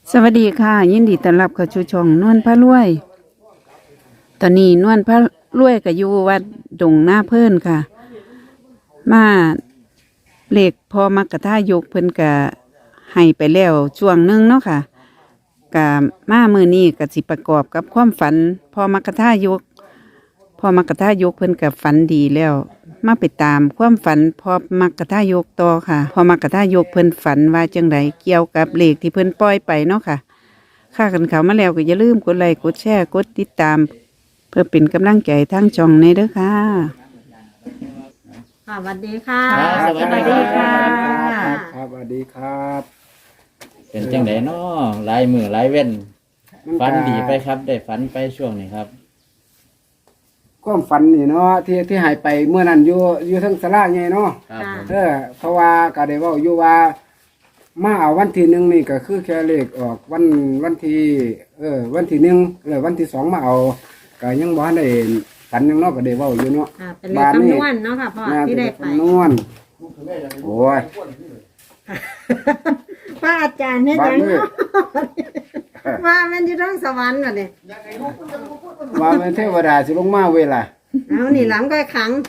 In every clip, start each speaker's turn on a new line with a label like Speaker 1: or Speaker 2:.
Speaker 1: สวัสดีค่ะยินดีต้อนรับเข้าสู่ช่องนวลพระรวย ตอนนี้นวลพระรวยก็อยู่วัดดงหน้าเพิ่นค่ะ มาเลขพอมักกะท่ายกเพิ่นก็ให้ไปแล้วช่วงหนึงเนาะค่ะกะมามื้อนี้ก็สิประกอบกับความฝันพอมักกะท่ายกพอมักกะท่ายกเพิ่นก็ฝันดีแล้ว มาไปตามความฝันพอมักกะท่ายกต่อค่ะพอมักกะท่ายกเพิ่นฝันว่าจังไดเกี่ยวกับเลขที่เพิ่นปล่อยไปเนาะค่ะค่ากันเขามาแล้วก็อย่าลืมกดไลค์กดแชร์กดติดตาม เพื่อเป็นกำลังใจทางช่องในเด้อค่ะ
Speaker 2: ค่ะสวัสดีค่ะ
Speaker 3: ครับสวัสดีค่ะ
Speaker 4: ครับสวัสดีครับ
Speaker 3: เป็นจังไดน้อหลายมือหลายเว้นฝันดีไปครับ ได้ฝันไปช่วงนี้ครับ
Speaker 4: ความฝันนี่เนาะที่หายไปเมื่อนั้นอยู่ทั้งสลาไงเนาะ
Speaker 3: ครับผม
Speaker 4: เพราะว่าก็ได้เว้าอยู่ว่ามาเอาวันที่หนึ่งนี่ก็คือแค่เลขออกวันที่วันที่หนึ่งแล้ววันที่สองมาเอาก็ยังบ่ทันได้ฝันยังเนาะก็ได้เว้าอยู่เนาะ
Speaker 2: ค่ะเป็นเลขคำนวณเนาะค่ะพ่อที่ได้ไป
Speaker 4: คำนวณโอ้ย
Speaker 2: ว่าอาจารย์เนี่ย
Speaker 4: บ้าน
Speaker 2: ยัง
Speaker 4: มือ
Speaker 2: ว่ามันอยู่ทั้งสวรรค์ก่อนเนี่ย
Speaker 4: ว่าเป็นเทวดาสิลงมาเวลา
Speaker 2: เอานี่หลังก็ขัง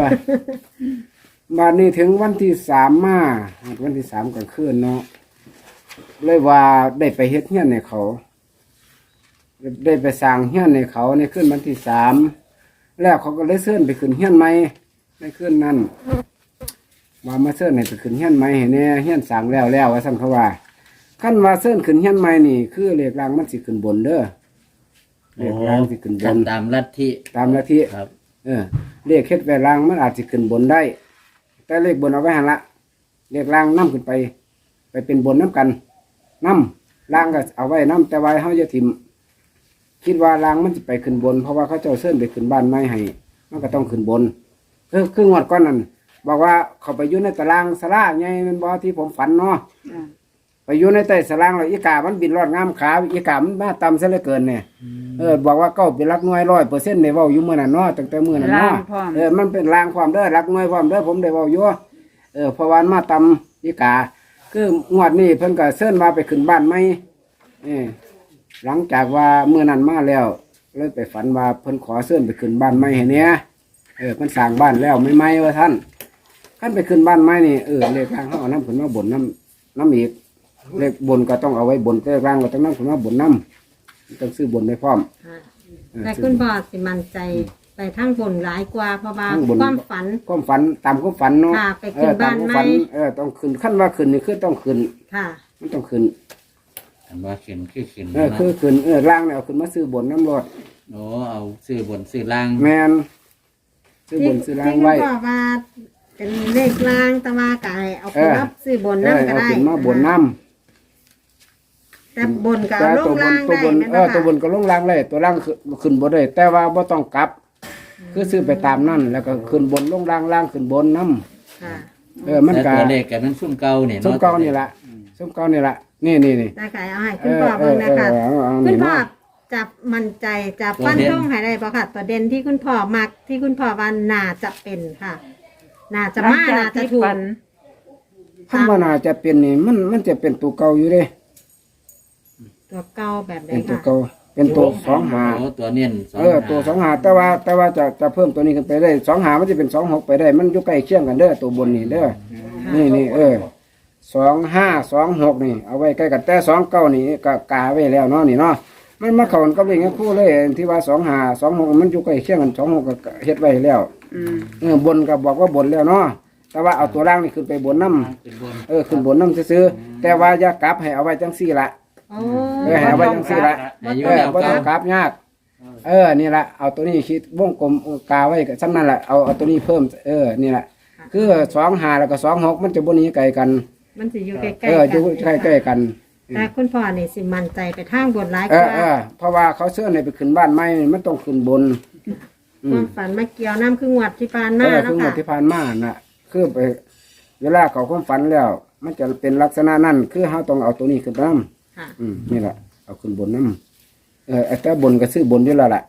Speaker 4: มานี่ถึงวันที่สามมาวันที่สามกลางคืนเนาะเลยว่าได้ไปเฮ็ดเฮี้ยนในเขา ได้ไปสร้างเฮี้ยนในเขาในคืนวันที่สามแล้วเขาก็เลยเชิญไปขึ้นเฮี้ยนใหม่ในคืนนั้นมาเชิญให้ไปขึ้นเฮี้ยนใหม่เห็นเนี่ยเฮี้ยนสร้างแล้วว่าสั่นเขาว่าขั้นว่าเชิญขึ้นเฮี้ยนใหม่นี่คือเลขรางมันสิขึ้นบนเด้อเลขรางสิขึ้นบน
Speaker 3: ตามลัทธิ
Speaker 4: ตามลัทธิ
Speaker 3: ครับ
Speaker 4: เลขเฮ็ดไว้รางมันอาจจะขึ้นบนได้ แต่เลขบนเอาไว้หันละเลขรางนำขึ้นไปเป็นบนน้ำกันนำรางก็เอาไว้นำแต่ว่าเฮาจะถิ่มคิดว่ารางมันจะไปขึ้นบน เพราะว่าเขาเจ้าเชิญไปขึ้นบ้านไม้ให้มันก็ต้องขึ้นบนคืองวดก้อนนั้นบอกว่าเขาไปอยู่ในตารางสลาไงมันบอกที่ผมฝันเนาะไปอยู่ในใต้สลางแล้วอีกามันบินรอดงามขาอีกามันมาต่ำซะเหลือเกินเนี่ยบอกว่าเก้าเป็นรักหน่วย100%ในเว้าอยู่มื้อนั้นเนาะตั้งแต่มื้อนั้นเนาะ
Speaker 1: รางพร้อม
Speaker 4: มันเป็นรางความเด้อรักหน่วยความเด้อผมได้เว้าอยู่เพราะว่ามาต่ำอีกาคืองวดนี้เพิ่นก็เชิญมาไปขึ้นบ้านใหม่หลังจากว่ามื้อนั้นมาแล้วเลยไปฝันว่าเพิ่นขอเชิญไปขึ้นบ้านใหม่ให้เนี่ยเพิ่นสร้างบ้านแล้วไม่ไหมว่าท่านขั้นไปขึ้นบ้านใหม่นี่เลขรางเขาเอาน้ำขึ้นมาบนน้ำอีกเลขบนก็ต้องเอาไว้บนเลขรางก็ต้องน้ำขึ้นมาบนน้ำต้องซื้อบนได้พร้อม
Speaker 2: ค่ะแต่คุณพ่อสิมั่นใจไปทั้งบนหลายกว่าเพราะว่า
Speaker 4: ทั้งบน
Speaker 2: ความฝัน
Speaker 4: ความฝันตามความฝันเนาะ
Speaker 2: ค่ะไปขึ้นบ้านไหม
Speaker 4: ตมควฝัต้องขึ้นขั้นว่าขึ้นนี่คือต้องขึ้น
Speaker 2: ค่ะ
Speaker 4: มันต้องขึ้น
Speaker 3: อันว่าขึ้นคือขึ้น
Speaker 4: คือขึ้นร่างเนี่ยเอาขึ้นมาซื้อบนน้ำรด
Speaker 3: โอ้เอาซื้อบนซื้อล่าง
Speaker 4: แมนซื้อบนซื้อล่าง
Speaker 2: ที่
Speaker 4: ไว้
Speaker 2: คุณพ่อว่าเป็นเลขล่างแต่ว่าไก่เอาไปรับซื้อบนน้ำก็
Speaker 4: เอา
Speaker 2: ได้
Speaker 4: ขึ้นมาบนน้ำ
Speaker 2: แต่บนก็
Speaker 4: แต่
Speaker 2: เอาล
Speaker 4: ตัว
Speaker 2: ง
Speaker 4: บ
Speaker 2: ล่าน ง
Speaker 4: ตัว
Speaker 2: ได้
Speaker 4: บน
Speaker 2: แม่นบ่
Speaker 4: ตัวบ
Speaker 2: ค่ะ
Speaker 4: นก็ลงล่างเลยตัวล่างขึ้นบนได้แต่ว่าบ่ต้องกลับ คือซื้อไปตามนั่นแล้วก็ขึ้นบนลงล่างล่างขึ้นบนน้
Speaker 2: ค่ะ
Speaker 4: ำมัน
Speaker 3: แต่
Speaker 4: ก็
Speaker 3: ตัวเลขกันนั้นซุ่มเก่าเนี่ย
Speaker 4: ส้มเก่านี่ละส้มเก่านี่ละนี่
Speaker 2: ได้ไก่เอาให้คุณพ่อเบิ่งนะคะ
Speaker 4: เอา
Speaker 2: คุ
Speaker 4: นี่
Speaker 2: ณพ่อ
Speaker 4: เนาะ
Speaker 2: จับมั่นใจจับฟันธงให้ได้ป่ะค่ะตัวเด่นที่คุณพ่อมักที่คุณพ่อว่าน่าจะเป็นค่ะ น่าจะมาน่าจะถูก
Speaker 1: ฝัน
Speaker 4: ขั้นว่าน่าจะเป็นนี่มันจะเป็นตัวเก่าอยู่เด้
Speaker 2: ตัวเก่าแบบไหน
Speaker 4: เป็นตัว
Speaker 2: ค่ะ
Speaker 4: เก่าเป็นตัวสองหา
Speaker 3: โอ้ตัวเน้นสอง
Speaker 4: ตัวสองหาแต่ว่าจะเพิ่มตัวนี้ขึ้นไปได้สองหามันจะเป็น26ไปได้ มันอยู่ใกล้เคียงกันเด้อตัวบนนี่เด้อนี่2526นี่เอาไว้ใกล้กันแต่29นี่ก็กาไว้แล้วเนาะนี่เนาะมันมาเข้ากันกับเลขคู่เลยที่ว่า2526มันอยู่ใกล้เคียงกัน26ก็เฮ็ดไว้แล้ว บนก็บอกว่าบนแล้วเนาะแต่ว่าเอาตัวล่างนี่ขึ้นไปบนน้ำ
Speaker 3: เป็นบน
Speaker 4: ขึ้นบนน้ำซื้อๆแต่ว่าอย่ากลับให้เอาไว้จังซี่ละ
Speaker 2: โอ้
Speaker 4: ให้เอาไว้จังซี่ละ
Speaker 3: อายุแล้ว
Speaker 4: บ่
Speaker 3: ก็
Speaker 4: ต้องกลับยากนี่ละเอาตัวนี้คิดวงกลมกาไว้ซ้ำนั่นแหละเอาตัวนี้เพิ่มนี่แหละคือ25แล้วก็26มันจะบ่หนีไกลกัน
Speaker 2: มันสิอยู่ใกล้ๆ
Speaker 4: อ
Speaker 2: กัน
Speaker 4: อยู่ใกล้ๆกัน
Speaker 2: แต่คุณพ่อนี่สิมั่นใจไปทางบนหลาย
Speaker 4: เอก
Speaker 2: ว่า
Speaker 4: เพราะว่าเขาเชื่อในไปขึ้นบ้านใหม่มันต้องขึ้นบน
Speaker 2: ความฝันมาเกี่ยวน้ำคืองวดที่ผ่านมา
Speaker 4: คื
Speaker 2: เนาะ
Speaker 4: อหม
Speaker 2: ค่ะ
Speaker 4: ดที่ผ่านมาน่ะคือไปเวลาเขาความฝันแล้ว มันจะเป็นลักษณะนั้นคือเขาต้องเอาตัวนี้ขึ้นน้ำ
Speaker 2: ค่ะ
Speaker 4: นี่แหละเอาขึ้นบนน้ำแต่บนก็ซื้อบนอยู่แล้วล่ะ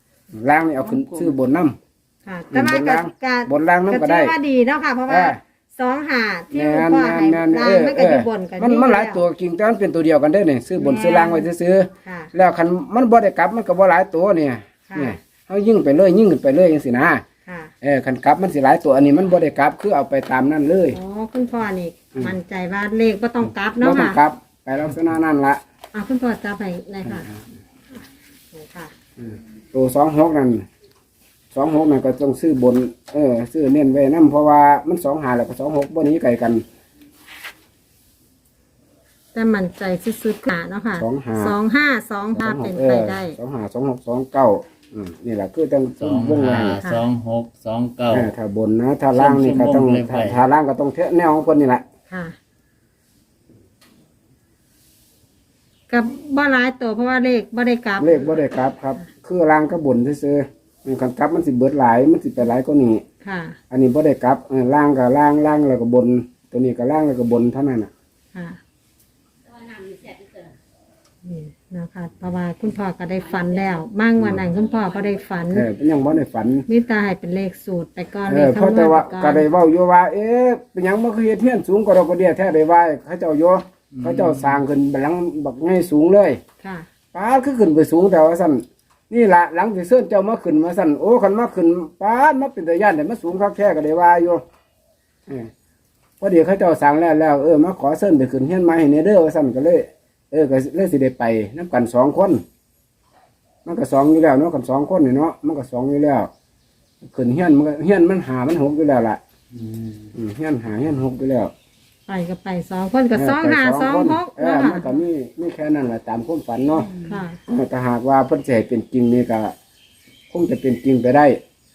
Speaker 4: ล่างนี่เอาขึ้นซื้อบนน้ำ
Speaker 2: ค่ะ แต่ว่า
Speaker 4: บนล่าง
Speaker 2: ก็
Speaker 4: บนล่างน้ำก็ได้
Speaker 2: ถือว่าดีเนาะค่ะ เพราะว่า
Speaker 4: เออ
Speaker 2: 25ที่
Speaker 4: แม่
Speaker 2: คุณ
Speaker 4: น
Speaker 2: พ่อให้
Speaker 4: แม่น
Speaker 2: ลางมันก็อยู่บนกัน
Speaker 4: มันหลายตัวจริงแต่มันเป็นตัวเดียวกันได้นี่ซื้อบนซื้อล่างไว้ซื้อ
Speaker 2: ค่ะ
Speaker 4: ๆแล้วคันมันบ่ได้กลับมันก็บ่หลายตัวเนี่ย
Speaker 2: ค่ะ
Speaker 4: เนี่ยเฮายิ่งไปเลยยิ่งขึ้นไปเลยจังซี่นะ
Speaker 2: ค่ะ
Speaker 4: คันกลับมันสิหลายตัวอันนี้มันบ่ได้กลับคือเอาไปตามนั้นเลย
Speaker 2: อ๋อคุณพ่อนี่มั่นใจว่าเลขบ่ต้องกลับ
Speaker 4: บ่
Speaker 2: เนาะ
Speaker 4: ต้อง
Speaker 2: ค่ะ
Speaker 4: กลับไปลักษณะนั้นละ
Speaker 2: คุณพ่อจับให้เลยค่ะนี่ค่ะ
Speaker 4: ตัว26นั่น26นั่นก็ต้องซื้อบนซื้อเน้นไว้นํเพราะว่ามัน25แล้วก็26บ่หนีไกลกัน
Speaker 2: แต่มั่นใจสุดๆค่ะเนาะค่ะ 2525เป็นไปได้
Speaker 4: 252629นี่แหละคือต้อง
Speaker 3: 2
Speaker 4: วงไว้
Speaker 3: 5 2 6 2 9
Speaker 4: ถ้าบนนะถ้าล่างนี่ก็ต้อง
Speaker 3: ส้มๆวงเล็บไว้
Speaker 4: ถ้าล่างก็ต้องเทะแนวของคนนี่แหละ
Speaker 2: ค่ะกับบ่หลายตัวเพราะว่าเลขบ่ได้กลับ
Speaker 4: เลขบ่ได้กลับครับ คือล่างก็บนซื่อๆมันคันกลับมันสิเบิดหลายมันสิไปหลายกว่านี้
Speaker 2: ค่ะ
Speaker 4: อันนี้บ่ได้กลับล่างก็ล่างแล้วก็บน ตัวนี้ก็ล่างแล้วก็บนเท่านั้นน่ะ
Speaker 2: ค่ะนี่นะคะเพราะว่าคุณพ่อก็ได้ฝันแล้วมั่งวันนั้นคุณพ่อก็ได้ฝัน
Speaker 4: เป็นยังบ่ได้ฝัน
Speaker 2: มิตาให้เป็นเลขสูตรไปก่อนเลข
Speaker 4: เพราะ
Speaker 2: คำน
Speaker 4: แต่
Speaker 2: วณ
Speaker 4: ว่า
Speaker 2: ไปก่
Speaker 4: ก็
Speaker 2: อน
Speaker 4: ได้เว้าอยู่ว่า เป็นหยังบ่คือเฮ็ดเฮียนสูงกว่าดอกกระเดียแท้ได้ว่าเขาเจ้าอยู่เขาเจ้าสร้างขึ้นบัดหลังบักให้สูงเลย
Speaker 2: ค่ะ
Speaker 4: ป้าดคือขึ้นไปสูงแต่ว่าสั่นนี่ละหลังที่เสื้อเจ้ามาขึ้นมาสั่นโอ้คันมาขึ้นป้าดมาเป็นตะย่านแต่มาสูงคักแท้ก็ได้ว่าอยู่พอดีเขาเจ้าสั่งแล้วมาขอเส้นไปขึ้นเฮียนไม้ให้เนเด้อว่าสั่นก็เลยก็เลยสิได้ไปน้ำกัน2 คนมันก็2อยู่แล้วเนาะกัน2 คนนี่เนาะมันก็2อยู่แล้วขึ้นเฮียนมันก็เฮียนมัน5มัน6อยู่แล้วล่ะเฮียน5เฮียน6อยู่แล้ว
Speaker 2: ไปก็ไป2 คนก็2526
Speaker 4: เนาะ
Speaker 2: เนาะค่ะ
Speaker 4: มันก็มีแค่นั้นแหละตามความฝันเนาะ
Speaker 2: ค่ะ
Speaker 4: ถ้าหากว่าเพิ่นสิให้เป็นจริงนี่ก็คงจะเป็นจริงไปได้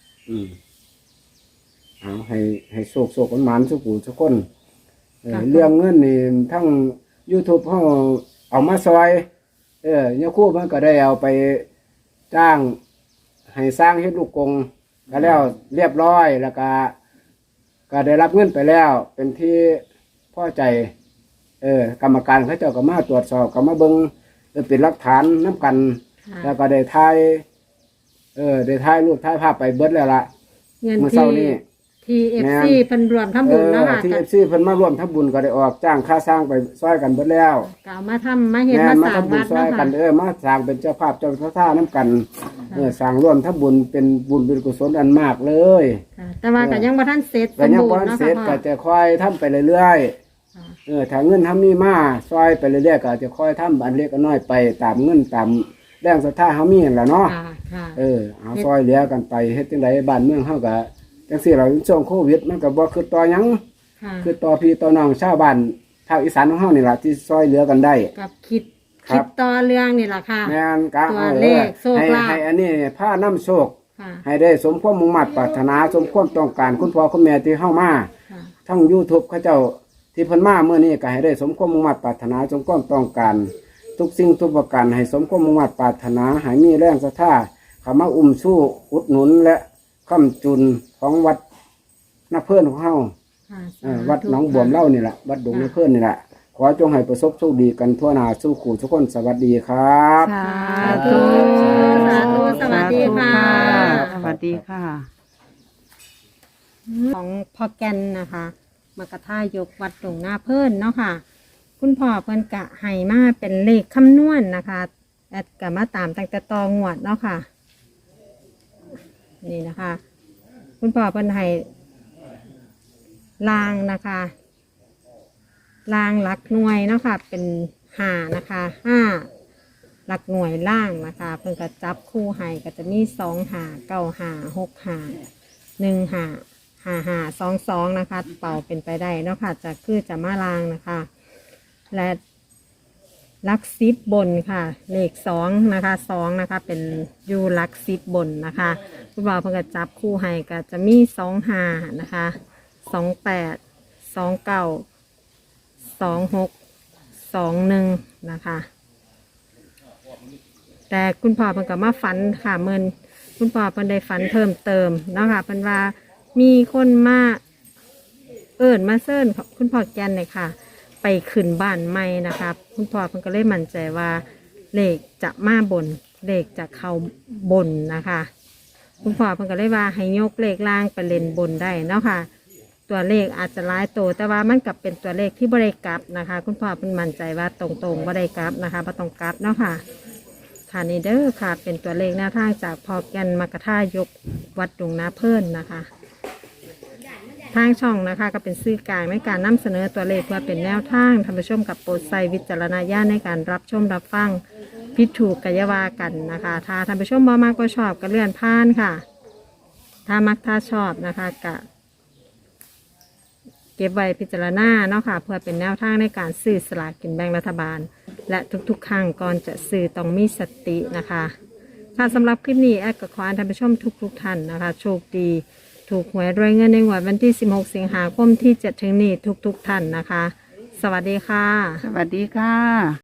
Speaker 4: เอาให้โชคหวานๆสุขุทุกคนเรื่องเงินนี่ทั้ง YouTube เฮาเอามาซอยเนี่ยครู่มันก็ได้เอาไปจ้างให้สร้างเฮ็ดลูกกงก็แล้วเรียบร้อยแล้วก็ได้รับเงินไปแล้ว เป็นที่พอใจกรรมการเขาเจ้าก็มาตรวจสอบก็มาเบิ่งเป็นหลักฐานนํกัน
Speaker 2: ค่ะ
Speaker 4: แล้วก็ได้ถ่ายรูปถ่ายภาพไปเบิดแล้วล่ะ
Speaker 2: เงิน
Speaker 4: เมื่อเช้านี้
Speaker 2: ที่ FC เพิ่นรวมทำบุญเนาะค่ะ
Speaker 4: ที่
Speaker 2: ก็
Speaker 4: FC เพิ่นมาร่วมทำบุญก็ได้ออกจ้างค่าสร้างไปซอยกันเบิดแล้ว
Speaker 2: ก็เอามาทำมาเฮ็ด
Speaker 4: แม่
Speaker 2: มาสร้าง
Speaker 4: มาทำบุญ
Speaker 2: วัด
Speaker 4: ซอย
Speaker 2: เนาะ
Speaker 4: กั
Speaker 2: ค่ะ
Speaker 4: นมาสร้างเป็นเจ้าภาพเจ้าท่าน้ำกันสร้างร่วมทำบุญเป็นบุญเป็นกุศลอันมากเลย
Speaker 2: ค่ะแต่ว่าก็ยังบ่ทันเสร็จส
Speaker 4: แต่
Speaker 2: ม
Speaker 4: ยัง
Speaker 2: บู
Speaker 4: บ่
Speaker 2: รณ์
Speaker 4: ทัน
Speaker 2: เนาะ
Speaker 4: เสร็จ
Speaker 2: ค่ะพ่
Speaker 4: ก็
Speaker 2: อ
Speaker 4: จะค่อยทำไปเรื่อย
Speaker 2: ค่ะ
Speaker 4: ๆถ้าเงินทำมีมาซอยไปเรื่อยๆก็จะค่อยทำอันเล็กอันน้อยไปตามเงินตามแรงศรัทธาเฮามีนั่นล่ะเนาะ
Speaker 2: ค่ะ
Speaker 4: เอาซอยเหลือกันไปเฮ็ดจังไดบ้านเมืองเฮาก็จังซี่เราช่วงโควิดมันก็บ่คือต่อหยัง
Speaker 2: ค่ะ
Speaker 4: คือต่อพี่ต่อน้องชาวบ้านภาคอีสานของเฮานี่ล่ะที่ซอยเหลือกันได้
Speaker 2: กับคิด
Speaker 4: ครับ
Speaker 2: ต่อเรื่องนี่ล่ะค่ะ
Speaker 4: แม่นกะ
Speaker 2: ตัวเลขโชคลาภ
Speaker 4: ให้อันนี้ผ้าน้ำโชค
Speaker 2: ค่ะ
Speaker 4: ให้ได้สมความมุ่งมั่นปรารถนาสมความต้องการคุณพ่อคุณแม่ที่เฮามา
Speaker 2: ค่ะ
Speaker 4: ทั้ง YouTube เขาเจ้าที่เพิ่นมาเมื่อนี้ก็ให้ได้สมความมุ่งมั่นปรารถนาสมความต้องการ ทุกสิ่งทุกประการให้สมความมุ่งมั่นปรารถนาให้มีแรงศรัทธาเข้ามาอุ้มสู้อุดหนุนและค้ำจุนของวัดนาเพิ่นของเฮา
Speaker 2: ค่ะ
Speaker 4: วัดหนองบวมเล่านี่แหละวัดดงนาเพิ่นนี่แหละขอจงให้ประสบโชคดีกันทั่วหน้าสู้ขู่ทุกคนสวัสดีครับ
Speaker 1: สา
Speaker 2: ธุ สาธุสวัสดีค่ะ
Speaker 1: สวัสดีค่ะ
Speaker 2: ของพ่อแกนนะคะมากระท่ายกวัดตรงหน้าเพิ่นเนาะค่ะ คุณพ่อเพิ่นกะให้มาเป็นเลขคำนวณนะคะแอดกะมาตามตั้งแต่ตองวดเนาะค่ะ นี่นะคะ คุณพ่อเพิ่นให้ลางนะคะลางหลักหน่วยเนาะค่ะ เป็น5นะคะ5หลักหน่วยล่างนะคะ เพิ่นก็จับคู่ให้ก็จะมี2 5 9 5 6 5 1 5 5522นะคะเป่าเป็นไปได้เนาะค่ะจะคือจะมาลางนะคะ และลักซิบบนค่ะ เลข2นะคะ2นะคะ เป็นยูลักซิบบนนะคะคุณบ่าวเพิ่งจะจับคู่ให้ก็จะมี25นะคะ28 29 26 21นะคะ แต่คุณพ่อเพิ่นก็มาฝันค่ะเมินคุณพ่อเพิ่นได้ฝันเพิ่มเติมเนาะค่ะเพิ่นว่ามีคนมามาเซิ่นคุณพ่อแกนเลยค่ะ ไปขึ้นบ้านใหม่นะคะคุณพ่อเพิ่นก็เลยมั่นใจว่าเลขจะมาบนเลขจะเข้าบนนะคะ คุณพ่อเพิ่นก็เลยว่าให้ยกเลขล่างไปเล่นบนได้เนาะค่ะตัวเลขอาจจะหลายโตวแต่ว่ามันกับเป็นตัวเลขที่บริกลับนะคะ คุณพ่อเป็นมั่นใจว่าตรงๆบริกลับนะคะบ่ต้องกลับเนาะค่ะค่ะนี่เด้อค่ะเป็นตัวเลขแนวทางจากพอแกนมกท่ายกวัดดงนาเพิ่นนะคะทางช่องนะคะก็เป็นสื่อกลางในการนำเสนอตัวเลขเพื่อเป็นแนวทางท่านผู้ชมกับโปรดใช้วิจารณญาณในการรับชมรับฟังผิดถูกกัยาวากันนะคะถ้าท่านผู้ชมบ่มากก็ชอบก็เลื่อนผ่านค่ะ ถ้ามักถ้าชอบนะคะกะเก็บไว้พิจารณาเนาะค่ะเพื่อเป็นแนวทางในการซื้อสลากกินแบ่งรัฐบาล และทุกๆครั้งก่อนจะซื้อต้องมีสตินะคะค่ะสำหรับคลิปนี้แอดก็ขอให้ท่านผู้ชมทุกท่านนะคะโชคดีถูกหวยรวยเงินในงวดวันที่ 16 สิงหาคมที่จะถึงนี้ทุกท่านนะคะ สวัสดีค่ะ
Speaker 1: สวัสดีค่ะ